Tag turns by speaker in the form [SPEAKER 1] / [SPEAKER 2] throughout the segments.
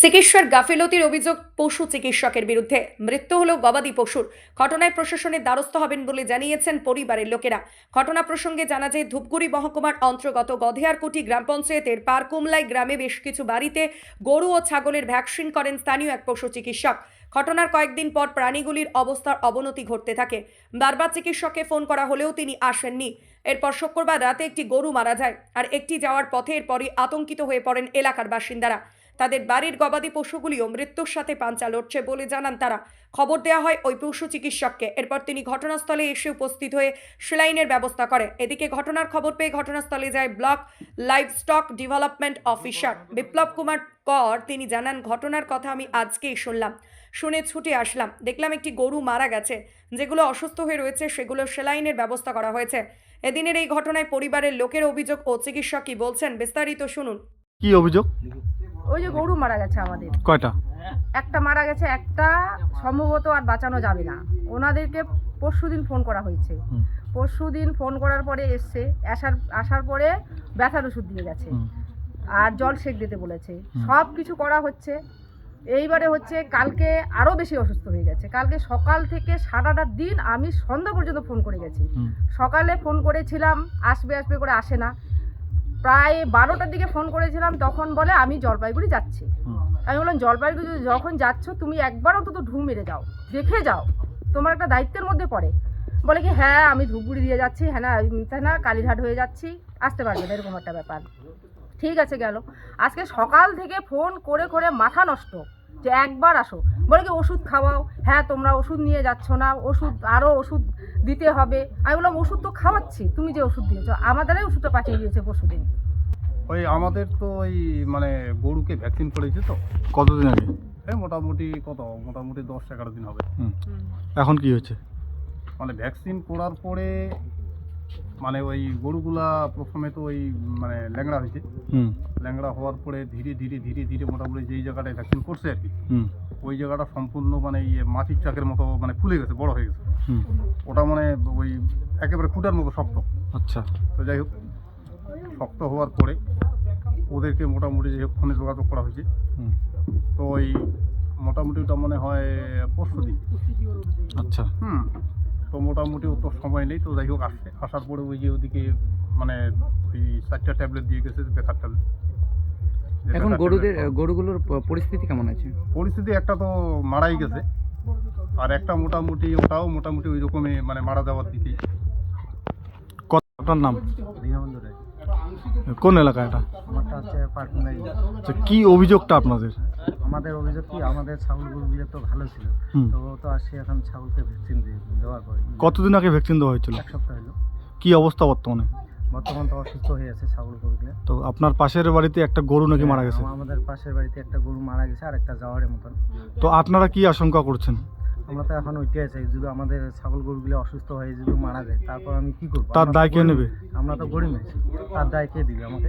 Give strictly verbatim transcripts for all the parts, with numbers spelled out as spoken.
[SPEAKER 1] চিকিৎসার গাফিলতির অভিযোগ পশু চিকিৎসকের বিরুদ্ধে। মৃত্যু হলো গবাদি পশুর। ঘটনায় প্রশাসনের দ্বারস্থ হবেন বলে জানিয়েছেন পরিবারের লোকেরা। ঘটনা প্রসঙ্গে জানা যায়, ধূপগুড়ি মহকুমার অন্তর্গত গধেয়ারকুটি গ্রাম পঞ্চায়েতের পারকুমলাই গ্রামে বেশ কিছু বাড়িতে গরু ও ছাগলের ভ্যাকসিন করেন স্থানীয় এক পশু চিকিৎসক। ঘটনার কয়েকদিন পর প্রাণীগুলির অবস্থার অবনতি ঘটতে থাকে। বারবার চিকিৎসককে ফোন করা হলেও তিনি আসেননি। এরপর শুক্রবার রাতে একটি গরু মারা যায়, আর একটি যাওয়ার পথে এরপরই আতঙ্কিত হয়ে পড়েন এলাকার বাসিন্দারা। তাদের বাড়ির গবাদি পশুগুলিও মৃত্যুর সাথে পাঞ্চা লড়ছে বলে জানান তারা। খবর দেওয়া হয় ওই পশু চিকিৎসককে। এরপর তিনি ঘটনাস্থলে এসে উপস্থিত হয়ে সেলাইনের ব্যবস্থা করে। এদিকে ঘটনার খবর পেয়ে ঘটনাস্থলে যায় block livestock development officer Biplab Kumar Kar. তিনি জানান, ঘটনার কথা আমি আজকেই শুনলাম, শুনে ছুটে আসলাম। দেখলাম একটি গরু মারা গেছে, যেগুলো অসুস্থ হয়ে রয়েছে সেগুলো সেলাইনের ব্যবস্থা করা হয়েছে। এদিনের এই ঘটনায় পরিবারের লোকের অভিযোগ ও চিকিৎসক কি বলছেন বিস্তারিত শুনুন।
[SPEAKER 2] কি অভিযোগ?
[SPEAKER 3] ওই যে গরু মারা গেছে আমাদের,
[SPEAKER 2] কয়টা?
[SPEAKER 3] একটা মারা গেছে, একটা সম্ভবত আর বাঁচানো যাবে না। ওনাদেরকে পরশুদিন ফোন করা হয়েছে। পরশুদিন ফোন করার পরে এসছে, আসার আসার পরে ব্যথার ওষুধ দিয়ে গেছে আর জল সেক দিতে বলেছে। সব কিছু করা হচ্ছে। এইবারে হচ্ছে কালকে আরও বেশি অসুস্থ হয়ে গেছে। কালকে সকাল থেকে সারাটা দিন আমি সন্ধ্যা পর্যন্ত ফোন করে গেছি। সকালে ফোন করেছিলাম, আসবে আসবে করে আসে না। প্রায় বারোটার দিকে ফোন করেছিলাম, তখন বলে আমি জলপাইগুড়ি যাচ্ছি। আমি বললাম, জলপাইগুড়ি যখন যাচ্ছ তুমি একবার অন্তত ঢু মেরে যাও, দেখে যাও, তোমার একটা দায়িত্বের মধ্যে পড়ে। বলে কি হ্যাঁ আমি ধূপগুড়ি দিয়ে যাচ্ছি, হ্যাঁ না হ্যাঁ না কালীঘাট হয়ে যাচ্ছি, আসতে পারবে না, এরকম একটা ব্যাপার। ঠিক আছে গেল। আজকে সকাল থেকে ফোন করে করে মাথা নষ্ট যে একবার আসো। বলে কি ওষুধ খাওয়াও, হ্যাঁ তোমরা ওষুধ নিয়ে যাচ্ছ না, ওষুধ আরও ওষুধ দিতে হবে। আমি বললাম ওষুধ তো খাওয়াচ্ছি, তুমি যে ওষুধ দিয়েছ। আমাদেরই ওষুধটা পাঠিয়ে দিয়েছে পরশুদিন।
[SPEAKER 4] ওই আমাদের তো ওই মানে গরুকে ভ্যাকসিন করেছে তো
[SPEAKER 2] কতদিন আগে?
[SPEAKER 4] এই মোটামুটি কত মোটামুটি দশ এগারো দিন হবে।
[SPEAKER 2] এখন কি হয়েছে?
[SPEAKER 4] মানে ভ্যাকসিন করার পরে মানে ওই গরুগুলা প্রথমে তো ওই মানে ল্যাংড়া হয়েছে।
[SPEAKER 2] হুম
[SPEAKER 4] ল্যাংড়া হওয়ার পরে ধীরে ধীরে ধীরে ধীরে মোটামুটি যেই জায়গাটায় ভ্যাকসিন করছে আর কি,
[SPEAKER 2] হুম
[SPEAKER 4] ওই জায়গাটা সম্পূর্ণ মানে ইয়ে মাটির চাকের মতো মানে ফুলে গেছে, বড় হয়ে গেছে।
[SPEAKER 2] হুম
[SPEAKER 4] ওটা মানে ওই একেবারে খুঁটার মতো শক্ত।
[SPEAKER 2] আচ্ছা।
[SPEAKER 4] তো যাই হোক, শক্ত হওয়ার পরে ওদেরকে মোটামুটি যাই হোক ফোনে যোগাযোগ করা হয়েছে।
[SPEAKER 2] হুম
[SPEAKER 4] তো ওই মোটামুটি ওটা মনে হয় পরশু দিন।
[SPEAKER 2] আচ্ছা।
[SPEAKER 4] হুম তো মোটামুটি ও তো সময় নেই। তো যাই হোক আসছে, আসার পরে ওই যে ওদিকে মানে ওই চারটা ট্যাবলেট দিয়ে গেছে, ব্যথার ট্যাবলেট।
[SPEAKER 5] এখন গরুদের গরুগুলোর প- পরিস্থিতি কেমন আছে?
[SPEAKER 4] পরিস্থিতি একটা তো মারাই গেছে, আর একটা মোটামুটি ওটাও মোটামুটি ওই রকমই মানে মারা যাওয়ার দিকেই।
[SPEAKER 2] কত আপনার নাম?
[SPEAKER 6] দীনবন্ধু রায়।
[SPEAKER 2] কোন এলাকা এটা?
[SPEAKER 6] আমারটা হচ্ছে পার্কুমারি।
[SPEAKER 2] আচ্ছা, কি অভিযোগটা আপনাদের?
[SPEAKER 6] আমাদের অভিযোগ কি, আমাদের ছাগল গরুগুলো তো ভালো ছিল,
[SPEAKER 2] হুম।
[SPEAKER 6] তো ও তো আসছে এখন ছাগলকে ভ্যাকসিন দিয়ে দেওয়ার পরে
[SPEAKER 2] কতদিন আগে ভ্যাকসিন দেওয়া হয়েছিল?
[SPEAKER 6] এক সপ্তাহ হলো।
[SPEAKER 2] কি অবস্থা বর্তমানে?
[SPEAKER 6] বর্তমান তো অসুস্থ হয়ে আছে ছাগল গরুগুলো।
[SPEAKER 2] তো আপনার পাশের বাড়িতে একটা গরু নাকি মারা গেছে?
[SPEAKER 6] হ্যাঁ, আমাদের পাশের বাড়িতে একটা গরু মারা গেছে আর একটা যাওয়ারের মতন।
[SPEAKER 2] তো আপনারা কি আশঙ্কা করছেন?
[SPEAKER 6] আমরা তো এখন ওইটাই চাই, যদি আমাদের ছাগল গরুগুলো অসুস্থ হয়ে যদি মারা যায়, তারপর আমি কি করবো?
[SPEAKER 2] তার
[SPEAKER 6] আমরা তো
[SPEAKER 2] দায় কে
[SPEAKER 6] গরিব-
[SPEAKER 2] নেবে?
[SPEAKER 6] আমরা তো গরিব আছি, তার দায় কে দিবে আমাকে?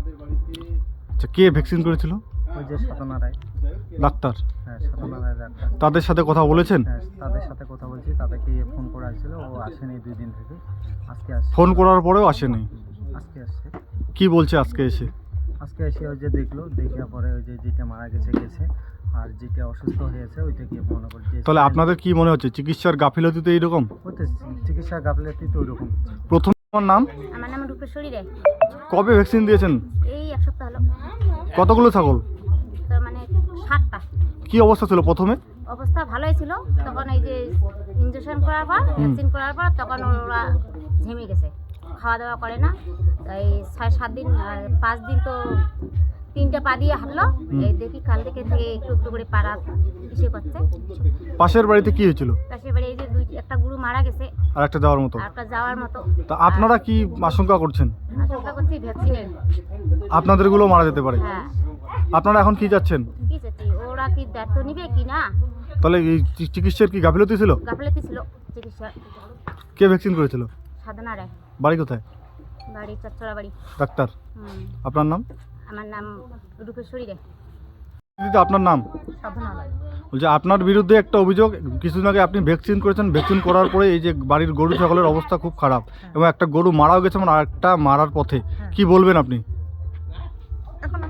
[SPEAKER 2] আচ্ছা, কে ভ্যাকসিন করেছিল?
[SPEAKER 6] ওই যে সাধনা রায়।
[SPEAKER 2] ডাক্তার?
[SPEAKER 6] হ্যাঁ সাধনা রায় ডাক্তার।
[SPEAKER 2] তাদের সাথে কথা বলেছেন?
[SPEAKER 6] হ্যাঁ তাদের সাথে কথা বলছি, তাদেরকে ফোন করা হয়েছিল, ও আসেনি দুই দিন থেকে। আজকে আসছে।
[SPEAKER 2] ফোন করার পরেও আসেনি?
[SPEAKER 6] আজকে আসছে।
[SPEAKER 2] কি বলছে আজকে এসে?
[SPEAKER 6] আজকে এসে ওই যে দেখলো, দেখার পরে ওই যে যেটা মারা গেছে গেছে, আর যেটা অসুস্থ হয়েছে ওইটাকে মনে করি যে
[SPEAKER 2] তাহলে আপনাদের কি মনে হচ্ছে চিকিৎসার গাফিলতিতে এইরকম?
[SPEAKER 6] হচ্ছে চিকিৎসা গাফিলতি তো ওইরকম।
[SPEAKER 2] প্রথম আমার নাম?
[SPEAKER 7] আমার নাম রূপেশ্বরী রে।
[SPEAKER 2] কবে ভ্যাকসিন দিয়েছেন?
[SPEAKER 7] এই এক সপ্তাহ হলো।
[SPEAKER 2] কতগুলো ছাগল?
[SPEAKER 7] তো মানে সাতটা।
[SPEAKER 2] কি অবস্থা ছিল প্রথমে?
[SPEAKER 7] অবস্থা ভালোই ছিল, তখন এই যে ইঞ্জেকশন করার পর ভ্যাকসিন করার পর তখন ওরা ঝেমে গেছে, খাওয়া দাওয়া করে না। এই ছয় সাত দিন আর পাঁচ দিন তো তিনটা পা দিয়ে হাঁটলো। এই দেখি কাল থেকে থেকে একটু একটু করে পাড়া ইসে করছে।
[SPEAKER 2] পাশের বাড়িতে কি হয়েছিল?
[SPEAKER 7] পাশের বাড়ি এই যে দুই একটা গরু মারা গেছে
[SPEAKER 2] আর একটা যাওয়ার মতো।
[SPEAKER 7] আর একটা যাওয়ার মতো।
[SPEAKER 2] তা আপনারা কি আশঙ্কা করছেন
[SPEAKER 7] আশঙ্কা করছি ভ্যাকসিনের।
[SPEAKER 2] আপনাদেরগুলো মারা যেতে পারে?
[SPEAKER 7] হ্যাঁ,
[SPEAKER 2] আপনারা এখন কি চাচ্ছেন?
[SPEAKER 7] কি চাচ্ছি, ওরা কি দায়িত্ব নিবে কি না?
[SPEAKER 2] তাহলে এই চি- চিকিৎসার কি গাফিলতি ছিল?
[SPEAKER 7] গাফিলতি ছিল চিকিৎসা।
[SPEAKER 2] কে ভ্যাকসিন করেছিল?
[SPEAKER 7] সাধনা রায়,
[SPEAKER 2] বাড়ি কোথায়?
[SPEAKER 7] বাড়ি চচ্চড়া বাড়ি।
[SPEAKER 2] ডাক্তার?
[SPEAKER 7] হুম,
[SPEAKER 2] আপনার নাম?
[SPEAKER 7] আমার নাম রূপেশ্বরী রে।
[SPEAKER 2] দিদি আপনার নাম?
[SPEAKER 3] সাধনা রায়।
[SPEAKER 2] বলছে আপনার বিরুদ্ধে একটা অভিযোগ, কিছুদিন আগে আপনি ভ্যাকসিন করেছেন, ভ্যাকসিন করার পরে এই যে বাড়ির গরু ছাগলের অবস্থা খুব খারাপ এবং একটা গরু মারাও গেছে এবং আরেকটা মারার পথে, কি বলবেন আপনি?
[SPEAKER 3] এখন আমি কি করবো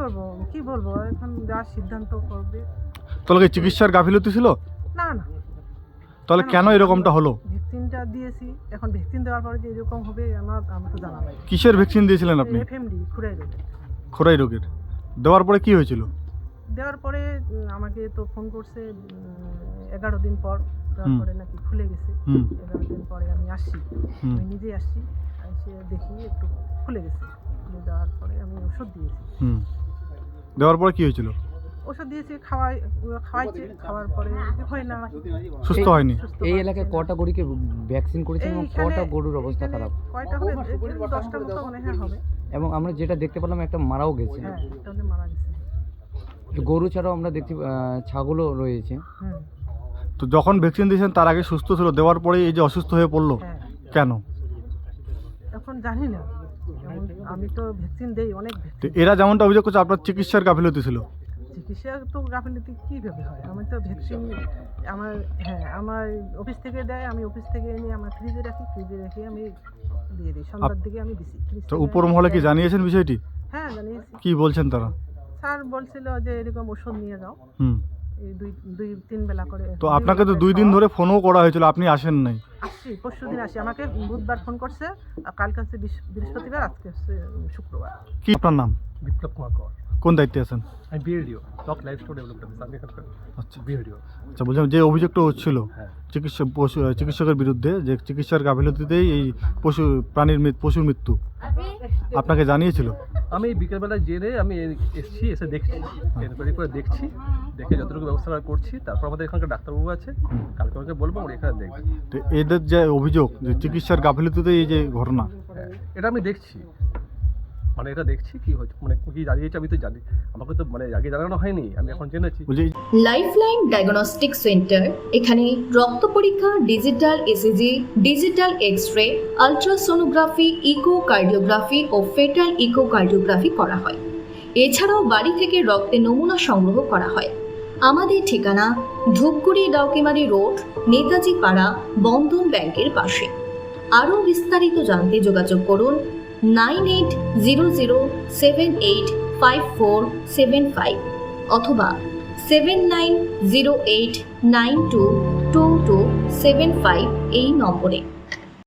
[SPEAKER 3] করব কি বলবো এখন যা সিদ্ধান্ত করবে।
[SPEAKER 2] তাহলে কি চিকিৎসার গাফিলতি ছিল?
[SPEAKER 3] না না,
[SPEAKER 2] তাহলে কেন এরকমটা হলো?
[SPEAKER 3] ভ্যাকসিনটা দিয়েছি, এখন ভ্যাকসিন দেওয়ার পরে যে এরকম হবে আমার আমার তো জানা নাই।
[SPEAKER 2] কিসের ভ্যাকসিন দিয়েছিলেন আপনি?
[SPEAKER 3] এফএমডি খুরাই রোগ।
[SPEAKER 2] খোরাই রোগের। দেওয়ার পরে কি হয়েছিল?
[SPEAKER 3] দেওয়ার পরে উম, আমাকে তো ফোন করছে এগারো দিন পর, দেওয়ার
[SPEAKER 2] হুম।
[SPEAKER 3] পরে নাকি খুলে গেছে।
[SPEAKER 2] হুম
[SPEAKER 3] এগারো দিন পরে আমি আসছি,
[SPEAKER 2] হুম
[SPEAKER 3] আমি নিজেই আসছি, এসে দেখি একটু খুলে গেছে। খুলে দেওয়ার পরে আমি ওষুধ দিয়েছি।
[SPEAKER 2] হুম দেওয়ার পরে কি হয়েছিল?
[SPEAKER 3] ওষুধ দিয়েছি, খাওয়াই খাওয়াইছে, খাওয়ার পরে হয় না,
[SPEAKER 2] সুস্থ
[SPEAKER 5] এই-
[SPEAKER 2] হয়নি?
[SPEAKER 3] সুস্থ
[SPEAKER 5] এই
[SPEAKER 3] হচ্ছে
[SPEAKER 5] এলাকায়
[SPEAKER 3] না।
[SPEAKER 5] কটা গরুকে ভ্যাকসিন করেছেন এবং
[SPEAKER 3] এইখানে-
[SPEAKER 5] কটা গরুর অবস্থা
[SPEAKER 3] এইখানে
[SPEAKER 5] খারাপ?
[SPEAKER 3] কয়টা হবে? এই দশটার মতো মনে হয় হবে।
[SPEAKER 5] এবং আমরা যেটা দেখতে পেলাম একটা মারাও গেছে।
[SPEAKER 3] হ্যাঁ, তাহলে মারা গেছে।
[SPEAKER 5] গরু ছাড়াও আমরা দেখতে আহ, ছাগলও রয়েছে।
[SPEAKER 3] হুম,
[SPEAKER 2] তো যখন ভ্যাকসিন দিয়েছেন তার আগে সুস্থ ছিল, দেওয়ার পরে এই যে অসুস্থ হয়ে পড়লো
[SPEAKER 3] হ্যাঁ,
[SPEAKER 2] কেন?
[SPEAKER 3] এখন জানি না, এখন আমি তো ভ্যাকসিন দেই অনেক
[SPEAKER 2] তো
[SPEAKER 3] ভ্যাকসিন।
[SPEAKER 2] এরা যেমনটা অভিযোগ করছে আপনার চিকিৎসার গাফিলতি ছিল।
[SPEAKER 3] চিকিৎসা তো গাফিলতি কীভাবে হয়? আমি তো ভ্যাকসিন আমার, হ্যাঁ, আমার অফিস থেকে দেয়, আমি অফিস থেকে এনে আমার ফ্রিজে রাখি, ফ্রিজে রেখে আমি দিয়ে দিই, সন্ধ্যার দিকে আমি দিছি। ফ্রিজ
[SPEAKER 2] তো
[SPEAKER 3] থেকে
[SPEAKER 2] উপর
[SPEAKER 3] এনে
[SPEAKER 2] মহলে কি
[SPEAKER 3] দেয়।
[SPEAKER 2] জানিয়েছেন বিষয়টি?
[SPEAKER 3] হ্যাঁ, জানিয়েছি।
[SPEAKER 2] কি বলছেন তারা?
[SPEAKER 3] স্যার বলছিল যে এরকম ওষুধ নিয়ে যাও,
[SPEAKER 2] হুম
[SPEAKER 3] এই দুই দুই তিন বেলা করে।
[SPEAKER 2] তো আপনাকে তো দুই দিন ধরে ফোনও করা হয়েছিল, আপনি আসেন নাই।
[SPEAKER 3] আসছি, পরশু দিন আসি, আমাকে বুধবার ফোন করছে, আর কালকে হচ্ছে বৃহ- বৃহস্পতিবার, আজকে হচ্ছে শুক্রবার।
[SPEAKER 2] কি আপনার নাম?
[SPEAKER 4] বিপ্লব কুমার কর,
[SPEAKER 2] কোন দায়িত্বে আছেন?
[SPEAKER 4] আমি BADO top life store development আমি এখানকার
[SPEAKER 2] আচ্ছা
[SPEAKER 4] বিএডিও।
[SPEAKER 2] আচ্ছা বলছিলাম যে অভিযোগটা হচ্ছিল
[SPEAKER 4] হ্যাঁ।
[SPEAKER 2] চিকিৎসা পশু চিকিৎসকের বিরুদ্ধে যে চিকিৎসার গাফিলতিতেই এই পশু প্রাণীর মৃত্যু পশুর মৃত্যু আপনাকে জানিয়েছিল?
[SPEAKER 8] আমি বিকেলবেলা জেনে আমি এসেছি, এসে দেখছি, এনকোয়ারি করে দেখছি, দেখে যতটুকু ব্যবস্থা করছি। তারপর আমাদের এখানকার ডাক্তারবাবু আছে, কালকে আমাকে বলবো ওরা এখানে দেখবে।
[SPEAKER 2] তো এদের যে অভিযোগ যে চিকিৎসার গাফিলতিতেই এই যে ঘটনা,
[SPEAKER 8] হ্যাঁ, এটা আমি দেখছি, মানে এটা দেখছি কি হচ্ছে, মানে কি জানিয়েছে আমি তো জানি, আমাকে তো মানে আগে জানানো হয়নি, আমি এখন জেনেছি।
[SPEAKER 2] বলছি
[SPEAKER 9] লাইফলাইন ডায়াগনস্টিক সেন্টার এখানে রক্ত পরীক্ষা, digital ECG, digital X-ray, ultrasonography, echocardiography ও ফেটাল ইকোকার্ডিওগ্রাফি করা হয়। এছাড়াও বাড়ি থেকে রক্তের নমুনা সংগ্রহ করা হয়। আমাদের ঠিকানা ধূপগুড়ি ডাউকিমারি রোড, নেতাজি পাড়া, বন্ধন ব্যাংকের পাশে। আরও বিস্তারিত জানতে যোগাযোগ করুন nine eight zero zero seven eight five four seven five অথবা seven nine zero eight nine two two two seven five এই নম্বরে।